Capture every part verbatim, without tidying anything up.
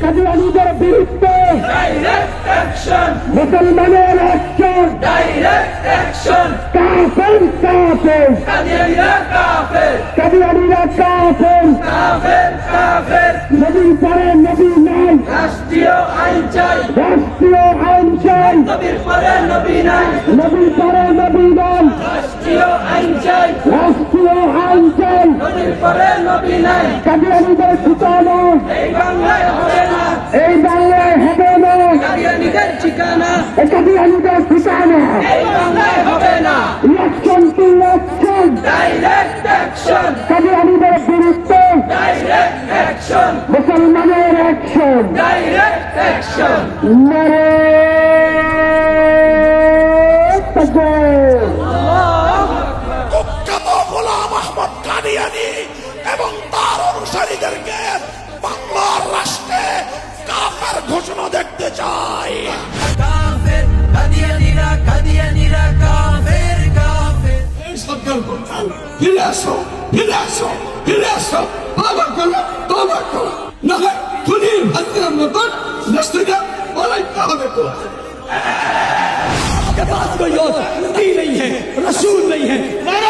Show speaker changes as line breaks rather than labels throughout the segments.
কাদিয়ানীদের বিরুদ্ধে
direct action,
মুসলমানের action,
direct action,
কাফের কাফের
কাদিয়ানীরা কাফের,
কাদিয়ানীরা কাফের,
কাফের কাফের,
নবীর পরে নবী নাই,
রাষ্ট্রীয় আইন চাই,
রাষ্ট্রীয় আইন চাই,
নবীর পরে নবী নাই,
নবীর পরে নবী নাই,
রাষ্ট্রীয় আইন চাই,
রাষ্ট্রীয় আইন চাই,
নবীর পরে নবী নাই,
কাদিয়ানীদের ঠিকানা
এই বাংলায় হবে না,
এই বাংলায় হবে না,
কাদিয়ানীদের ঠিকানা
এই কাদিয়ানীদের ঠিকানা
এই বাংলায় হবে না,
election to election,
direct action,
কাদিয়ানীদের বিরুদ্ধে
ডাইরেক্ট অ্যাকশন,
মুসলমানের অ্যাকশন,
ডাইরেক্ট অ্যাকশন,
নারে তাকবীর।
কুখ্যাত গোলাম আহমদ কাদিয়ানী এবং তার অনুসারীদেরকে বাংলার রাষ্ট্রে কাফের ঘোষণা দেখতে চাই।
কাফের কাদিয়ানীরা কাদিয়ানীরা কাফের কাফের,
এই সরকার কোথাও ফিরে আসো, ফিরে আসো, ফিরে আসো, তওবা করো, তওবা করো, না হয় খুনি হাসিনার মতন রাষ্ট্রকে পালাইতে হবে তো।
के पास कोई और नबी नहीं है, रसूल नहीं है।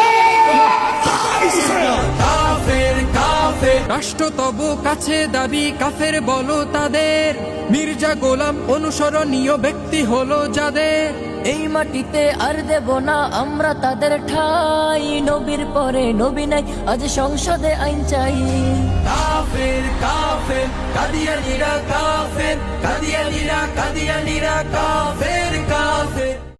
काफिर काफिर
রাষ্ট্র তব কাছে দাবি কাফের বলো তাদের, মির্জা গোলাম অনুসরণীয় ব্যক্তি হলো যাদের।
এই মাটিতে আর দেব না আমরা তাদের ঠাই, নবীর পরে নবী নাই আজ সংসদে আইন চাই।
काफिर काफिर कादियानीरा काफिर, कादियानीरा कादियानीरा काफिर काफिर।